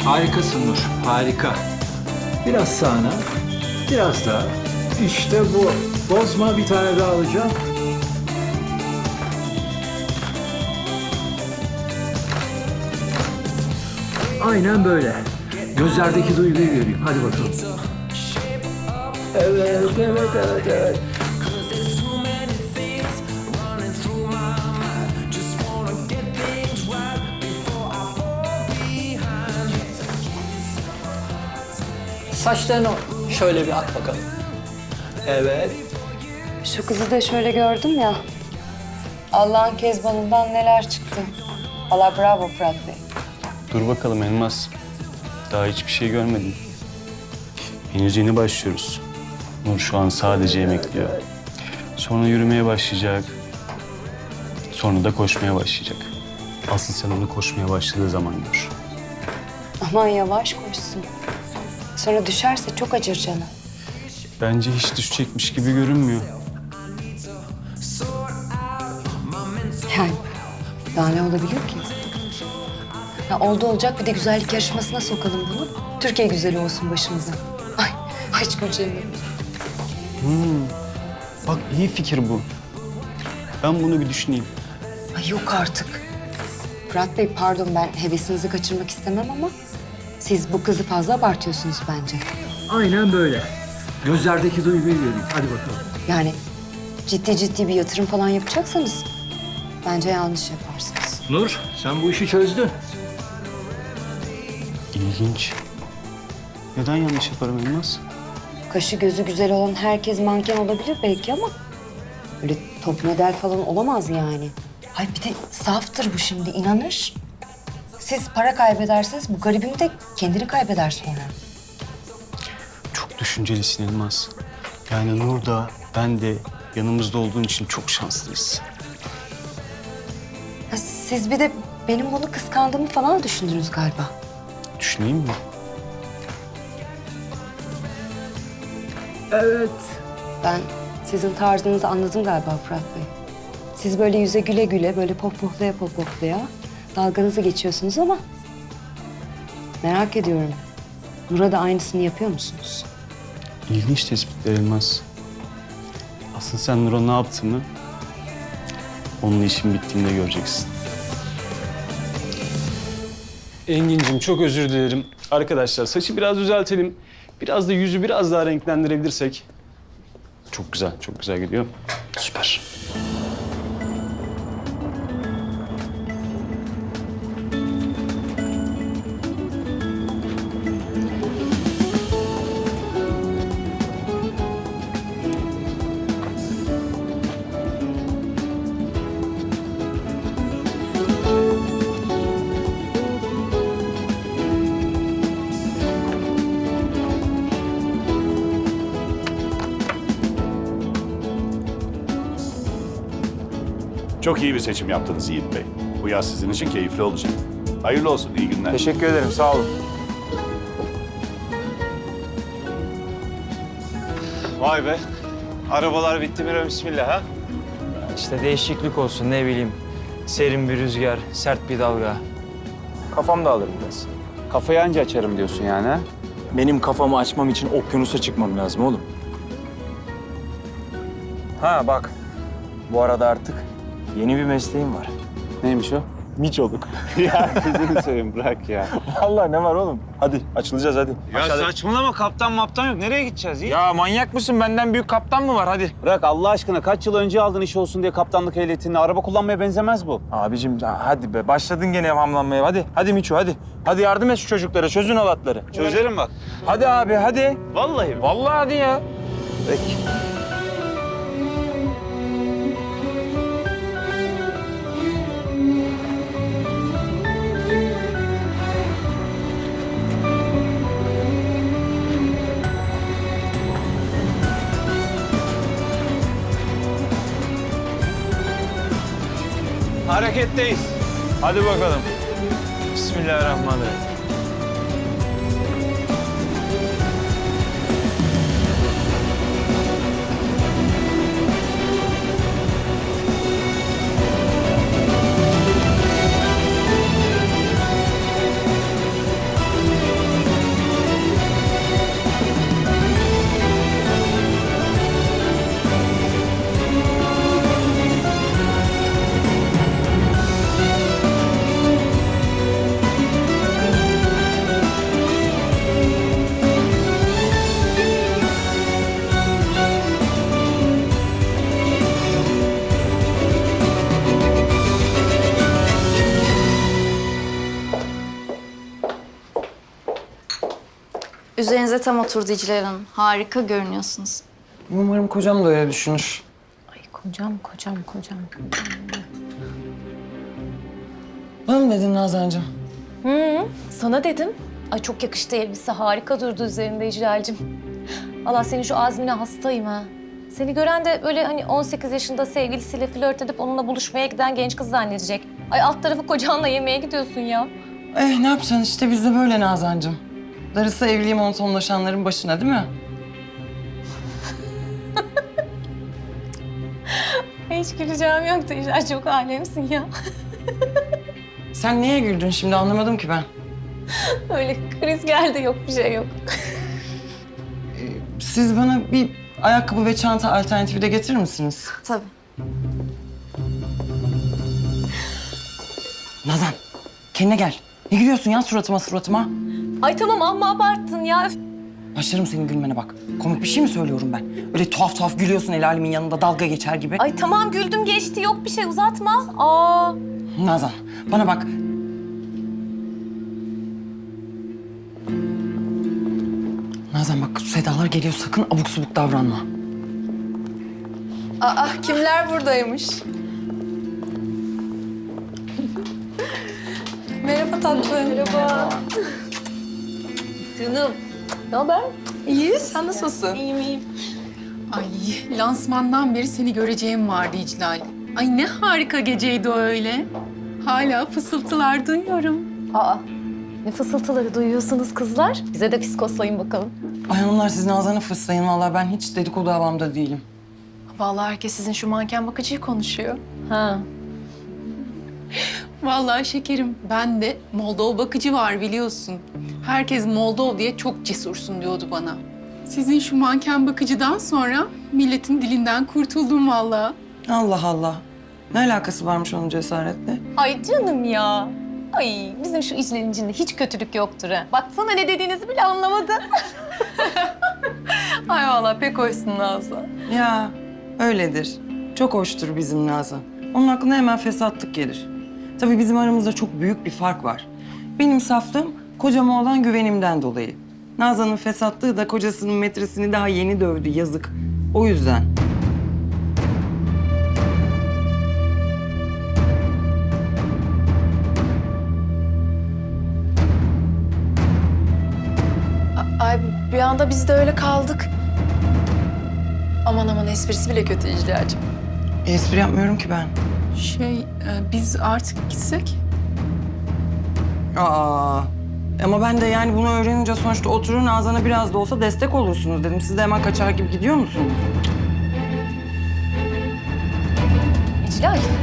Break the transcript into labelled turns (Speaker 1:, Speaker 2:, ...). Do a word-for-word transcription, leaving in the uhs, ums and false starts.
Speaker 1: Harikasın Nur, harika. Biraz sağına, biraz daha. İşte bu. Bozma, bir tane daha alacağım. Aynen böyle. Gözlerdeki duyguyu göreyim. Hadi bakalım. Evet, evet, evet, evet.
Speaker 2: Saçlarını şöyle bir at bakalım. Evet.
Speaker 3: Şu kızı da şöyle gördüm ya. Allah'ın kezbanından neler çıktı. Allah bravo Fırat Bey.
Speaker 4: Dur bakalım Elmas. Daha hiçbir şey görmedim. Henüz yeni başlıyoruz. Nur şu an sadece emekliyor. Sonra yürümeye başlayacak. Sonra da koşmaya başlayacak. Asıl sen onu koşmaya başladığı zaman gör.
Speaker 3: Aman yavaş koşsun. Sonra düşerse çok acır canım.
Speaker 4: Bence hiç düşecekmiş gibi görünmüyor.
Speaker 3: Yani daha ne olabilir ki? Ya oldu olacak bir de güzellik yarışmasına sokalım bunu. Türkiye güzeli olsun başımıza. Ay, ay hiç güleceğim.
Speaker 4: Bak iyi fikir bu. Ben bunu bir düşüneyim.
Speaker 3: Ay yok artık. Fırat Bey pardon ben hevesinizi kaçırmak istemem ama... ...siz bu kızı fazla abartıyorsunuz bence.
Speaker 1: Aynen böyle. Gözlerdeki duyguyu göreyim. Hadi bakalım.
Speaker 3: Yani ciddi ciddi bir yatırım falan yapacaksanız... ...bence yanlış yaparsınız.
Speaker 1: Nur, sen bu işi çözdün.
Speaker 4: İlginç. Neden yanlış yaparım Elmas?
Speaker 3: Kaşı gözü güzel olan herkes manken olabilir belki ama... ...öyle top model falan olamaz yani. Ay bir de saftır bu şimdi, inanır. Siz para kaybederseniz bu garibim de kendini kaybeder sonra.
Speaker 4: Çok düşüncelisin Elmas. Yani Nur da ben de yanımızda olduğun için çok şanslıyız.
Speaker 3: Ha, siz bir de benim bunu kıskandığımı falan düşündünüz galiba.
Speaker 4: Düşüneyim mi?
Speaker 1: Evet.
Speaker 3: Ben sizin tarzınızı anladım galiba Fırat Bey. Siz böyle yüze güle güle, böyle pohpohlaya pohpohlaya dalganızı geçiyorsunuz ama... ...merak ediyorum. Nur'a da aynısını yapıyor musunuz?
Speaker 4: İlginç tespitler Elmas. Asıl sen Nur'a ne yaptığını onunla işin bittiğinde göreceksin. Engin'cim çok özür dilerim. Arkadaşlar saçı biraz düzeltelim. Biraz da yüzü biraz daha renklendirebilirsek. Çok güzel, çok güzel gidiyor. Süper.
Speaker 5: Çok iyi bir seçim yaptınız Yiğit Bey. Bu yaz sizin için keyifli olacak. Hayırlı olsun, iyi günler.
Speaker 6: Teşekkür ederim, sağ olun. Vay be. Arabalar bitti mi bismillah ha?
Speaker 7: İşte değişiklik olsun ne bileyim. Serin bir rüzgar, sert bir dalga.
Speaker 6: Kafam dağılır biraz. Kafayı anca açarım diyorsun yani ha?
Speaker 7: Benim kafamı açmam için okyanusa çıkmam lazım oğlum. Ha bak, bu arada artık yeni bir mesleğim var.
Speaker 6: Neymiş o?
Speaker 7: Miçoluk.
Speaker 6: Ya gözünü seveyim bırak ya.
Speaker 7: Vallahi ne var oğlum? Hadi açılacağız hadi.
Speaker 6: Ya
Speaker 7: Aşağıda-
Speaker 6: saçmalama, kaptan maptan yok. Nereye gideceğiz Yiğit?
Speaker 7: Ya manyak mısın? Benden büyük kaptan mı var? Hadi.
Speaker 6: Bırak Allah aşkına, kaç yıl önce aldın iş olsun diye kaptanlık ehliyetini. Araba kullanmaya benzemez bu.
Speaker 7: Abicim ha- hadi be. Başladın gene hamlanmaya. Hadi. Hadi Miço hadi. Hadi yardım et şu çocuklara. Çözün halatları.
Speaker 6: Çözerim bak.
Speaker 7: Hadi abi hadi.
Speaker 6: Vallahi.
Speaker 7: Vallahi hadi ya.
Speaker 6: Peki.
Speaker 7: Hareketteyiz. Hadi bakalım. Bismillahirrahmanirrahim.
Speaker 8: Üzerinize tam oturdu İclal Hanım. Harika görünüyorsunuz.
Speaker 7: Umarım kocam da öyle düşünür.
Speaker 9: Ay kocam, kocam, kocam.
Speaker 7: Bana mı dedin Nazancığım?
Speaker 9: Hı, sana dedim. Ay çok yakıştı elbise, harika durdu üzerinde İclal'cim. Allah senin şu azmine hastayım ha. Seni gören de öyle hani on sekiz yaşında sevgilisiyle flört edip onunla buluşmaya giden genç kız zannedecek. Ay alt tarafı kocanla yemeğe gidiyorsun ya.
Speaker 7: Eh ne yapacaksın işte biz de böyle Nazancığım. Darısı evliliği monotonlaşanların başına değil mi?
Speaker 9: Hiç güleceğim yoktu İclal, çok alemsin ya.
Speaker 7: Sen niye güldün şimdi anlamadım ki ben.
Speaker 9: Öyle kriz geldi, yok bir şey yok.
Speaker 7: Siz bana bir ayakkabı ve çanta alternatifi de getirir misiniz?
Speaker 8: Tabii.
Speaker 7: Nazan kendine gel. Ne gülüyorsun ya suratıma suratıma?
Speaker 9: Ay tamam amma abarttın ya. Üf.
Speaker 7: Başlarım senin gülmene bak. Komik bir şey mi söylüyorum ben? Öyle tuhaf tuhaf gülüyorsun el alemin yanında dalga geçer gibi.
Speaker 9: Ay tamam güldüm geçti, yok bir şey, uzatma. Aa.
Speaker 7: Nazan bana bak. Nazan bak Sedalar geliyor sakın abuk subuk davranma.
Speaker 8: Aa, kimler buradaymış? Merhaba tatlım. Merhaba.
Speaker 9: Canım. Ne haber?
Speaker 8: İyi, sen nasılsın?
Speaker 9: İyiyim iyiyim.
Speaker 10: Ay lansmandan beri seni göreceğim vardı İclal. Ay ne harika geceydi o öyle. Hala fısıltılar duyuyorum.
Speaker 9: Aa. Ne fısıltıları duyuyorsunuz kızlar? Bize de fiskoslayın bakalım.
Speaker 7: Ay hanımlar siz Nazan'ı fıslayın vallahi ben hiç dedikodu havamda değilim.
Speaker 10: Vallahi herkes sizin şu manken bakıcıyı konuşuyor.
Speaker 9: Ha.
Speaker 10: Vallahi şekerim ben de Moldov bakıcı var biliyorsun. Herkes Moldov diye çok cesursun diyordu bana. Sizin şu manken bakıcıdan sonra milletin dilinden kurtuldum vallahi.
Speaker 7: Allah Allah. Ne alakası varmış onun cesaretle?
Speaker 9: Ay canım ya. Ay bizim şu İclal'in içinde hiç kötülük yoktur ha. Baksana ne dediğinizi bile anlamadı.
Speaker 10: Ay vallahi pek hoşsun Nazlı.
Speaker 7: Ya öyledir. Çok hoştur bizim Nazan. Onun aklına hemen fesatlık gelir. Tabii bizim aramızda çok büyük bir fark var. Benim saflığım kocama olan güvenimden dolayı. Nazan'ın fesatlığı da kocasının metresini daha yeni dövdü yazık. O yüzden.
Speaker 8: Ay bir anda biz de öyle kaldık. Aman aman esprisi bile kötü İclal'cığım.
Speaker 7: Espri yapmıyorum ki ben.
Speaker 10: Şey e, biz artık gitsek?
Speaker 7: Aa. Ama ben de yani bunu öğrenince sonuçta oturun Nazan'a biraz da olsa destek olursunuz dedim. Siz de hemen kaçar gibi gidiyor musunuz?
Speaker 9: İclal.